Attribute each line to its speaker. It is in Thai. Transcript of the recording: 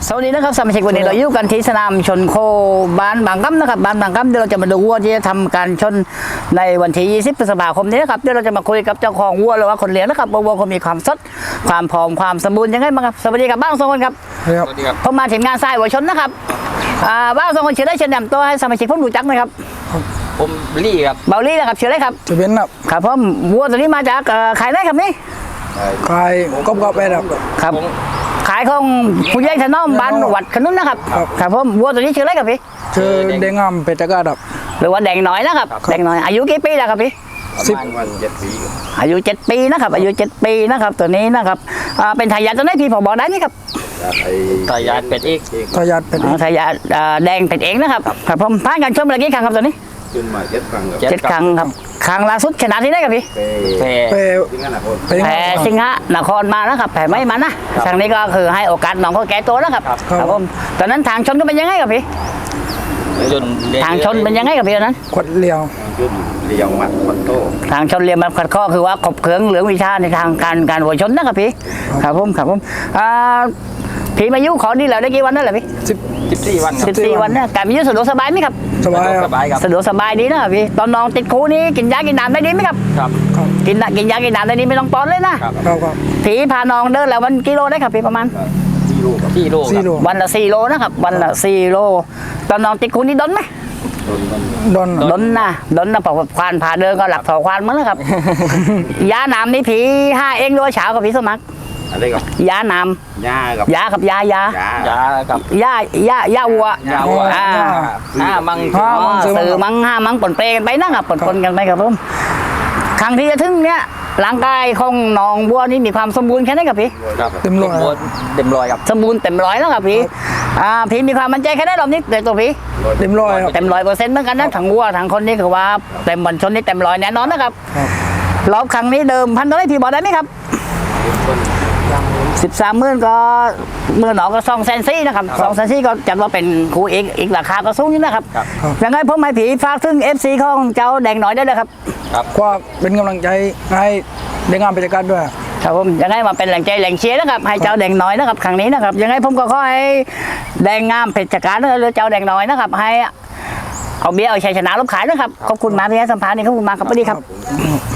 Speaker 1: สวัสดีนะครับสมาชิกวันนี้เราอยู่กันที่สนามชนโคบ้านบางกัมนะครับบ้านบางกัมเดี๋ยวเราจะมาดูวัวที่จะทำการชนในวันที่20 พฤษภาคมนี้นะครับเดี๋ยวเราจะมาคุยกับเจ้าของวัวหรือว่าคนเลี้ยงนะครับว่าวัวเขามีความสดความผอมความสมบูรณ์ยังไงบ้างครับสวัสดีครับบ้างสองคนครับ
Speaker 2: ครับ
Speaker 1: ผมมาถึงงานทรายวัวชนนะครับบ้างสองคนเชื่อได้เชิญนำตัวให้สมาชิกผมรู้จักหนะครับ
Speaker 3: ผมลี่ครับ
Speaker 1: เบาลี่นะครับเชื่อได้ครับ
Speaker 2: จะเป็นครับ
Speaker 1: ครับผมวัวตัวนี้มาจากขายได้ครับนี่
Speaker 2: ขายกบแปดครับ
Speaker 1: ครับขายของผู้ใหญ่ถนอมบ้านวัดขนุนนะครับ
Speaker 2: ครับ
Speaker 1: ครับผมวัวตัวนี้เชื่อได้ครับพี่
Speaker 2: เจอเด้งงามเพชรกาดครับ
Speaker 1: หรือว่าแดงน้อยนะครับแดงน้อยอายุกี่ปีแล้วครับพี่
Speaker 3: ประมาณ7 ปี
Speaker 1: อายุ7 ปีนะครับอายุ7 ปีนะครับตัวนี้นะครับเป็นทายาทตัวไหนพี่ผมบอกได้นี่ครับ
Speaker 3: ตายาดเป็ดอีก
Speaker 2: ทายาทเป็น
Speaker 1: ทายาทแดงเป็นเองนะครับครับผมผ่านการชมเมื่อกี้ครั้งครับตัวนี้
Speaker 4: ขึ้นมา7 ครั้งครับ
Speaker 1: 7 ครั้งครับครั้งล่าสุดชนะที่ได้ครับพี่
Speaker 3: แพร่
Speaker 2: เป
Speaker 4: ที่นั่นนะคน
Speaker 2: เป็น
Speaker 1: แพ้สิงหนครมานะครับแพ้ไม่มานะครั้งนี้ก็คือให้โอกาสน้องเขาแก้ตัวนะครับครับผมตอนนั้นทางชนก็เป็นยังไงครับพี่
Speaker 3: จน
Speaker 1: ทางชนเป็นยังไงครับพี่ตอนนั้น
Speaker 2: ขวดเลียว
Speaker 4: ขึ้นเรียวมัดคอนโต้
Speaker 1: ทางชนเรียนมาขัดข้อคือว่าขบเคืองเหลืองวิชาในทางการหัวชนนะครับพี่ครับผมพี่มายุขอดีแล้วได้กี่วันนั่นแหละพี่
Speaker 3: 14 วันครับ
Speaker 1: 14 วันนะการมีอยู่สะดวกสบายไหมครับ
Speaker 2: สบายค
Speaker 3: ส
Speaker 2: รับบ
Speaker 3: ายครับ
Speaker 1: สะดวกสบายดีนะครับพี่ตอนน้องติดคูนี้กินยากินน้ำได้ดีไหมครับ
Speaker 3: ครับ
Speaker 2: ครับ
Speaker 1: กินยากินน้ำได้ดีไม่ต้องป้อนเลยนะครับ
Speaker 2: ครับ
Speaker 1: ผีพาน้องเดินแล้ววันกิโลได้ครับพี่ประมาณ
Speaker 4: ที่ลูกครับ
Speaker 3: ที่โลค
Speaker 2: สี่
Speaker 3: รับ
Speaker 2: โล
Speaker 1: วันละ4 โลนะครับวันละ4 โลตอนน้องติดคูนี้ดนไหม
Speaker 4: โดนมัน
Speaker 2: ดอน
Speaker 1: ดนนะเพราะว่าควานพาเดินก็หลักถอควานมั้งนะครับ ยาน้ำนี่ผีห้าเองด้วยเช้ากับพี่สมัคร
Speaker 4: อะไรกับ
Speaker 1: ยาน้
Speaker 4: หญ้ากับ
Speaker 1: ำยากับยาย
Speaker 4: หญ้าย
Speaker 3: ากับ
Speaker 1: ยาวัว
Speaker 3: ยาวัว
Speaker 1: มัง
Speaker 2: ซื้อ
Speaker 1: มัง5 มังปนเปกันไปนะครับปนกันไปครับผมครั้งที่จะถึงเนี้ยร่างกายของน้องบัวนี่มีความสมบูรณ์แค่ไหนครับพี่
Speaker 3: ครับ
Speaker 2: เต็มร้อย
Speaker 3: เต็มร้อยครับ
Speaker 1: สมบูรณ์เต็มร้อยแล้วครับพี่พี่มีความมั่นใจแค่ไหนรอบนี้ในตัวพี่
Speaker 2: เต็มร้อยครับ
Speaker 1: เต็ม100%เหมือนกันนะทั้งวัวทั้งคนนี่คือว่าเต็มบอลชนนี่เต็มร้อยแน่นอนนะครับ
Speaker 2: ครับ
Speaker 1: รอบครั้งนี้เดิมพันเท่าไหรพี่บอกได้ไหมครับ13,000ก็มือหนอก็200,000นะครับ200,000ก็จัดว่าเป็นครูอีกราคาก็สูงอยู่นะครับยังไงผมให้ผีฝากถึง FC ของเจ้าแดงหน่อยได้เลยครับ
Speaker 2: กว่าเป็นกำลังใจให้เด้งงามเพชรกาดด้วย
Speaker 1: ครับผมยังไงมาเป็นแหล่งใจแหล่งเชียร์นะครับให้เจ้าแดงน้อยนะครับครั้งนี้นะครับยังไงผมก็ขอให้แดงงามเพชรการหรือเจ้าแดงน้อยนะครับให้เอาเบี้ยเอาชัยชนะลบขายนะครับขอบคุณมากที่ให้สัมภาษณ์นี่ขอบคุณมากครับสวัสดีครับ